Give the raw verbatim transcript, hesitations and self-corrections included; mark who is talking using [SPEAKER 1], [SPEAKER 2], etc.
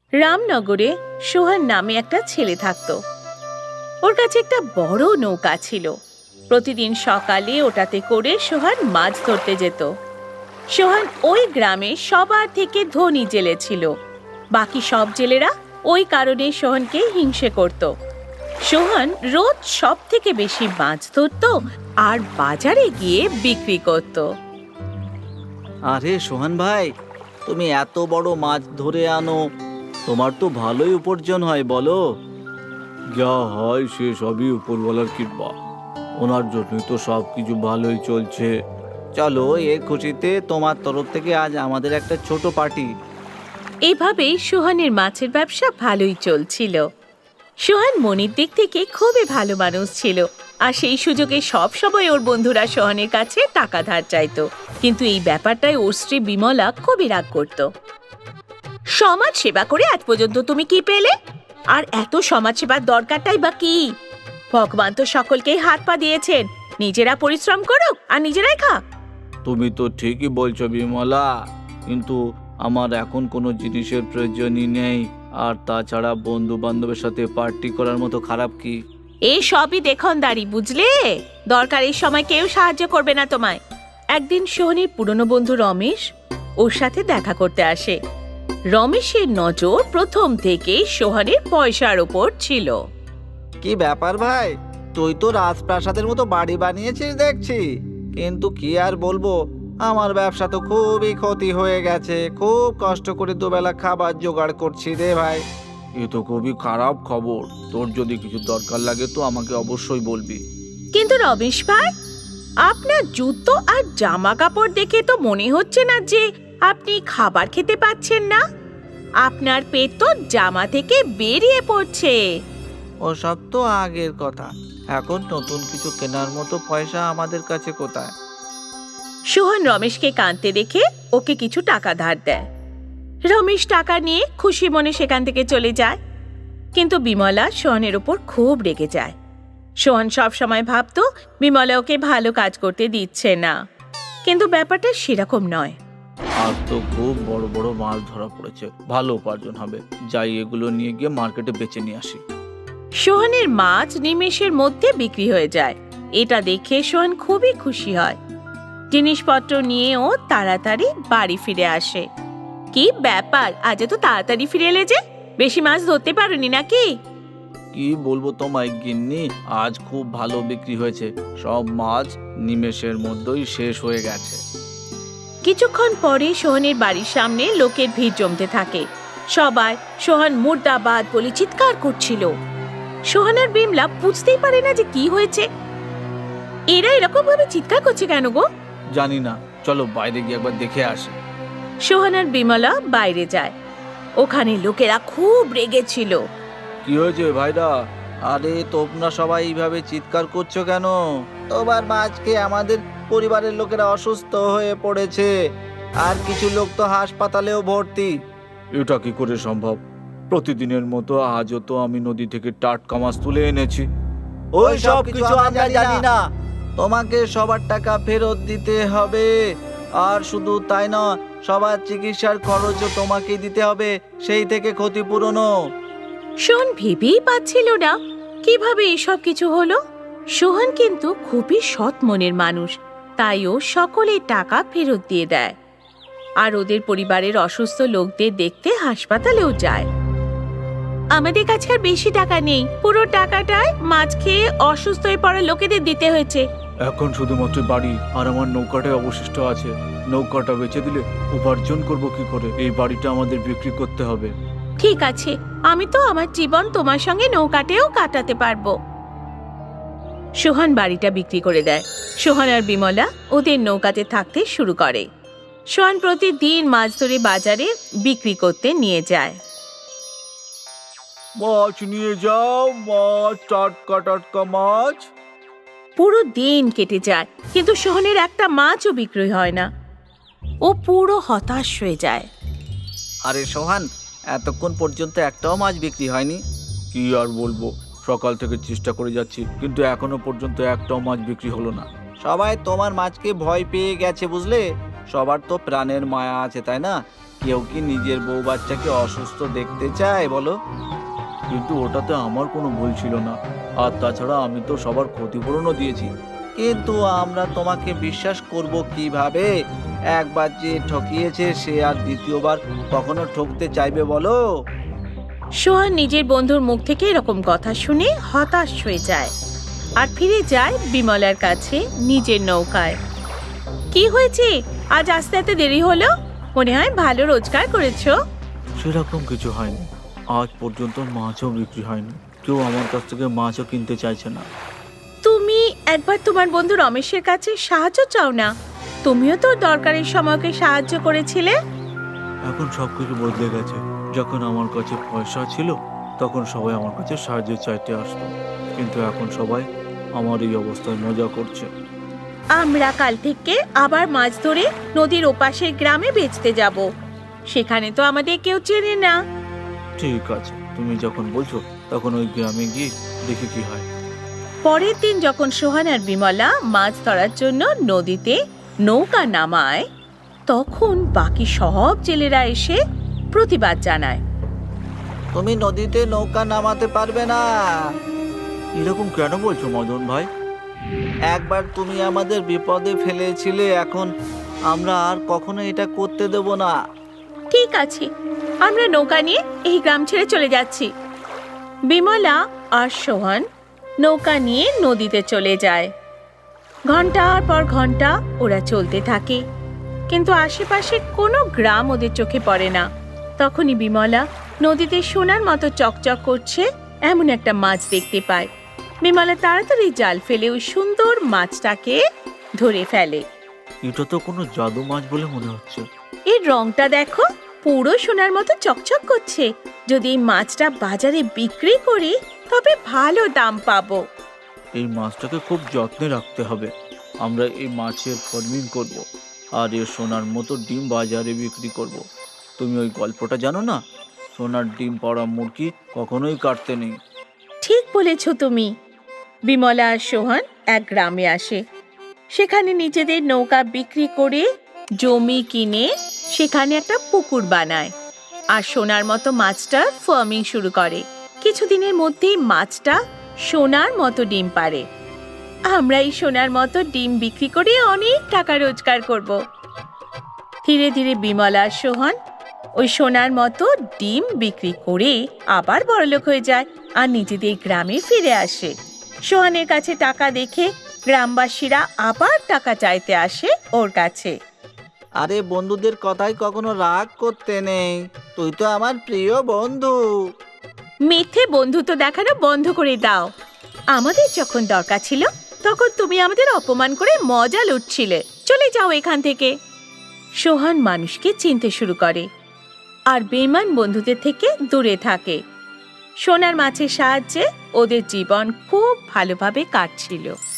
[SPEAKER 1] রামনগরে সোহান নামে একটা ছেলে থাকতো। ওর কাছে একটা বড় নৌকা ছিল। প্রতিদিন সকালে ওটাতে করে সোহান মাছ ধরতে যেত। সোহান ওই গ্রামে সবার থেকে ধনী জেলে ছিল। বাকি সব জেলেরা ওই কারণে সোহানকে হিংসে করত। সোহান রোজ সব থেকে বেশি মাছ ধরত আর বাজারে গিয়ে বিক্রি করত।
[SPEAKER 2] আরে সোহান ভাই, তুমি এত বড় মাছ ধরে আনো, তোমার তো ভালোই উপার্জন হয় বলো।
[SPEAKER 3] যা হয় সে সবই উপরওয়ালার কৃপা, ওনার জন্যই তো সব কিছু ভালোই চলছে।
[SPEAKER 2] চলো, এর খুশিতে তোমার তরফ থেকে আজ আমাদের একটা ছোট পার্টি।
[SPEAKER 1] এভাবেই সোহানের মাছের ব্যবসা ভালোই চলছিল। সোহান মনের দিক থেকে খুবই ভালো মানুষ ছিল, আর সেই সুযোগে সব সময় ওর বন্ধুরা সোহানের কাছে টাকা ধার চাইতো। কিন্তু এই ব্যাপারটায় ওর স্ত্রী বিমলা খুবই রাগ করত। সমাজ সেবা করে আজ পর্যন্ত তুমি কি পেলে? আর এত সমাজ সেবার দরকারটাই বা কি? ভগবান তো সকলকেই হাত পা দিয়েছেন, নিজেরা পরিশ্রম করো আর নিজেরাই খা।
[SPEAKER 3] তুমি তো ঠিকই বলছো বিমলা, কিন্তু আমার এখন কোনো জিনিসের প্রয়োজনই নেই। আর তাছাড়া বন্ধু বান্ধবের সাথে পার্টি করার মতো খারাপ কি?
[SPEAKER 1] এই সবই দেখনদারি, বুঝলে? দরকার এই সময় কেউ সাহায্য করবে না তোমায়। একদিন সোহনের পুরনো বন্ধু রমেশ ওর সাথে দেখা করতে আসে। রমেশের নজর প্রথম থেকেই সোহানের পয়সার ওপর ছিল।
[SPEAKER 2] কি ব্যাপার ভাই, তুই তো রাজপ্রাসাদের মতো বাড়ি বানিয়েছিস দেখছি, কিন্তু কি আর বলবো, আমার ব্যবসা তো খুবই ক্ষতি হয়ে গেছে। খুব কষ্ট করে দুবেলা খাবার জোগাড় করছি রে ভাই।
[SPEAKER 3] এ তো খুবই খারাপ খবর। তোর যদি কিছু দরকার লাগে তো আমাকে অবশ্যই বলবি।
[SPEAKER 1] কিন্তু রমেশ ভাই, আপনার জুতো আর জামা কাপড় দেখে তো মনে হচ্ছে না যে আপনি খাবার খেতে পাচ্ছেন না। আপনার পেট তো জামা থেকে বেরিয়ে পড়ছে।
[SPEAKER 2] ওসব তো আগের কথা, এখন নতুন কিছু কেনার মতো পয়সা আমাদের কাছে কোথায়?
[SPEAKER 1] সোহন রমেশকে কাঁদতে দেখে ওকে কিছু টাকা ধার দেয়। রমেশ টাকা নিয়ে খুশি মনে সেখান থেকে চলে যায়। কিন্তু বিমলা সোহনের ওপর খুব রেগে যায়। সোহন সব সময় ভাবতো বিমলা ওকে ভালো কাজ করতে দিচ্ছে না, কিন্তু ব্যাপারটা সেরকম নয়।
[SPEAKER 3] আর তো খুব বড় বড় মাছ ধরা পড়েছে, ভালো উপার্জন হবে। যাই, এগুলো নিয়ে গিয়ে মার্কেটে বেচে নিয়ে আসি।
[SPEAKER 1] সোহনের মাছ নিমেষের মধ্যে বিক্রি হয়ে যায়। এটা দেখে সোহন খুবই খুশি হয়। জিনিসপত্র নিয়ে ও তাড়াতাড়ি বাড়ি ফিরে আসে। কি ব্যাপার, আজ তো তাড়াতাড়ি ফিরে এলে যে? বেশি মাছ ধরতে পারোনি নাকি?
[SPEAKER 3] কি বলবো তোমায় গিন্নি, আজ খুব ভালো বিক্রি হয়েছে। সব মাছ নিমেষের মধ্যেই শেষ হয়ে গেছে।
[SPEAKER 1] কিছুক্ষণ পরে সোহনের বাড়ির সামনে লোকের ভিড় জমতে থাকে। সবাই সোহন মুর্দাবাদ বলে চিৎকার করছিল। সোহন আর বিমলা বুঝতেই পারে না যে কি হয়েছে। এরা এরকম ভাবে চিৎকার করছে কেন গো?
[SPEAKER 3] জানি না, চলো বাইরে গিয়ে একবার দেখে আসি।
[SPEAKER 1] সোহন আর বিমলা বাইরে যায়। ওখানে লোকেরা খুব রেগেছিল।
[SPEAKER 3] কি হয়েছে ভাইরা?
[SPEAKER 2] আরে তোমরা সবাই এইভাবে চিৎকার করছো কেন? তোমার মাঝকে আমাদের পরিবারের লোকেরা অসুস্থ হয়ে পড়েছে, আর কিছু লোক তো হাসপাতালেও ভর্তি।
[SPEAKER 3] এটা কি করে সম্ভব? প্রতিদিনের মতো আজও তো আমি নদী থেকে টাটকা মাছ তুলে এনেছি।
[SPEAKER 2] ওই সব কিছু আমরা জানি না, তোমাকে সবার টাকা ফেরত দিতে হবে। আর শুধু তাই না, সবার চিকিৎসার খরচও তোমাকে দিতে হবে, সেই থেকে ক্ষতিপূরণও।
[SPEAKER 1] সোহন ভেবেই পাচ্ছিল না কিভাবে এসব কিছু হলো। সোহন কিন্তু খুবই সৎ মনের মানুষ, তাই ও সকলের টাকা ফেরত দিয়ে দেয়। আর ওদের পরিবারের অসুস্থ লোকদের দেখতে হাসপাতালেও যায়। আমাদের কাছে আর বেশি টাকা নেই, পুরো টাকাটায় মাছ খেয়ে অসুস্থ হয়ে পড়া লোকেদের দিতে হয়েছে।
[SPEAKER 3] এখন শুধুমাত্র বাড়ি আর আমার নৌকাটাই অবশিষ্ট আছে। নৌকাটা বেচে দিলে উপার্জন করব কি করে? এই বাড়িটা আমাদের বিক্রি করতে হবে।
[SPEAKER 1] ঠিক আছে, আমি তো আমার জীবন তোমার সঙ্গে নৌকাতেও কাটাতে পারবো। সোহন বাড়িটা বিক্রি করে দেয়। সোহন আর বিমলা ওদের নৌকাতে থাকতে শুরু করে। সোহন প্রতিদিন মাছ ধরে বাজারে বিক্রি করতে নিয়ে যায়।
[SPEAKER 3] মাছ নিয়ে যাও, মাছ, টাটকা টাটকা মাছ।
[SPEAKER 1] পুরো দিন কেটে যায়, কিন্তু সোহনের একটা মাছও বিক্রি হয় না। ও পুরো হতাশ হয়ে যায়।
[SPEAKER 2] আরে সোহান, এতক্ষণ পর্যন্ত একটাও মাছ বিক্রি হয়নি।
[SPEAKER 3] কি আর বলবো, সকাল থেকে চেষ্টা করে যাচ্ছি, কিন্তু এখনো পর্যন্ত একটাও মাছ বিক্রি হলো না।
[SPEAKER 2] সবাই তোমার মাছকে ভয় পেয়ে গেছে বুঝলে। সবার তো প্রাণের মায়া আছে, তাই না? কেউ কি নিজের বউ বাচ্চাকে অসুস্থ দেখতে চায় বলো?
[SPEAKER 3] কিন্তু ওটাতে আমার কোনো ভুল ছিল না। আর তাছাড়া আমি তো সবার ক্ষতিপূরণও দিয়েছি।
[SPEAKER 2] কিন্তু আমরা তোমাকে বিশ্বাস করব কিভাবে? একবার যে ঠকিয়েছে সে আর দ্বিতীয়বার কখনো ঠকতে চাইবে বলো?
[SPEAKER 1] সোহান নিজের বন্ধুর মুখ থেকে এরকম কথা শুনে হতাশ হয়ে যায় আর ফিরে যায় বিমলার কাছে নিজের নৌকায়। কি হয়েছে, আজ আসতে এত দেরি হলো? মনে হয় ভালো রোজগার করেছো।
[SPEAKER 3] সেরকম কিছু হয়নি। আজ পর্যন্ত মাছও বিক্রি হয়নি। কেউ আমার কাছ থেকে মাছও কিনতে চাইছে না।
[SPEAKER 1] তুমি একবার তোমার বন্ধু রমেশের কাছে সাহায্য চাও না? তুমিও তো দরকারের সময়কে সাহায্য করেছিলে।
[SPEAKER 3] এখন সব কিছু বদলে গেছে। যখন আমার কাছে পয়সা ছিল তখন সবাই আমার কাছে সাহায্য চাইতে আসতো, কিন্তু এখন সবাই আমার এই অবস্থায় মজা করছে।
[SPEAKER 1] আমরা কাল থেকে আবার মাছ ধরে নদীর ওপাশের গ্রামে বেচতে যাব। সেখানে তো আমাদের কেউ চেনে না।
[SPEAKER 3] ঠিক আছে, তুমি যখন বলছো তখন ওই গ্রামে গিয়ে দেখি কি হয়।
[SPEAKER 1] পরের দিন যখন সোহান আর বিমলা মাছ ধরার জন্য নদীতে নৌকা নামায়, তখন বাকি সব জেলেরা এসে প্রতিবাদ জানায়।
[SPEAKER 2] তুমি নদীতে নৌকা নামাতে পারবে না।
[SPEAKER 3] এরকম কেন বলছো মদন ভাই?
[SPEAKER 2] একবার তুমি আমাদের বিপদে ফেলেছিলে, এখন আমরা আর কখনো এটা করতে দেব না।
[SPEAKER 1] ঠিক আছে, আমরা নৌকা নিয়ে এই গ্রাম ছেড়ে চলে যাচ্ছি। বিমলা আর সোহান নৌকা নিয়ে নদীতে চলে যায়। ঘন্টার পর ঘন্টা ওরা চলতে থাকে, কিন্তু আশেপাশে কোনো গ্রাম ওদের চোখে পড়ে না। তখনই বিমলা নদীতে সোনার মতো চকচক করছে এমন একটা মাছ দেখতে পায়। বিমলা তাড়াতাড়ি জাল ফেলে ওই সুন্দর মাছটাকে ধরে ফেলে।
[SPEAKER 3] এটা তো কোনো জাদু মাছ বলে মনে হচ্ছে।
[SPEAKER 1] এর রংটা দেখো, পুরো সোনার মতো চকচক করছে। যদি এই মাছটা বাজারে বিক্রি করি তবে ভালো দাম পাবো।
[SPEAKER 3] এই মাছটাকে খুব যত্নে রাখতে হবে। আমরা এই মাছের ফার্মিং করব আর এর সোনার মতো ডিম বাজারে বিক্রি করব। তুমি ওই গল্পটা জানো না, সোনার ডিম পড়া মুরগি কখনোই কাটতে নেই।
[SPEAKER 1] ঠিক বলেছ তুমি। বিমলা আর সোহান এক গ্রামে আসে। সেখানে নিজেদের নৌকা বিক্রি করে জমি কিনে সেখানে একটা পুকুর বানায় আর সোনার মতো মাছটার ফার্মিং শুরু করে। কিছুদিনের মধ্যেই মাছটা সোনার মতো ডিম পারে। আমরা এই সোনার মতো ডিম বিক্রি করে অনেক টাকা রোজগার করব। ধীরে ধীরে বিমলা আর সোহান ওই সোনার মতো ডিম বিক্রি করে আবার বড়লোক হয়ে যায় আর নিজেদের গ্রামে ফিরে আসে। সোহানের কাছে টাকা দেখে গ্রামবাসীরা আবার টাকা চাইতে আসে ওর কাছে।
[SPEAKER 2] আরে বন্ধুদের কথাই কখনো রাগ করতে নেই, তুই তো আমার প্রিয় বন্ধু।
[SPEAKER 1] মিথ্যে বন্ধুত্ব দেখানো বন্ধ করে দাও। আমাদের যখন দরকার ছিল তখন তুমি আমাদের অপমান করে মজা লুটছিলে। চলে যাও এখান থেকে। সোহান মানুষকে চিনতে শুরু করে আর বেঈমান বন্ধুদের থেকে দূরে থাকে। সোনার মাছের সাহায্যে ওদের জীবন খুব ভালোভাবে কাটছিল।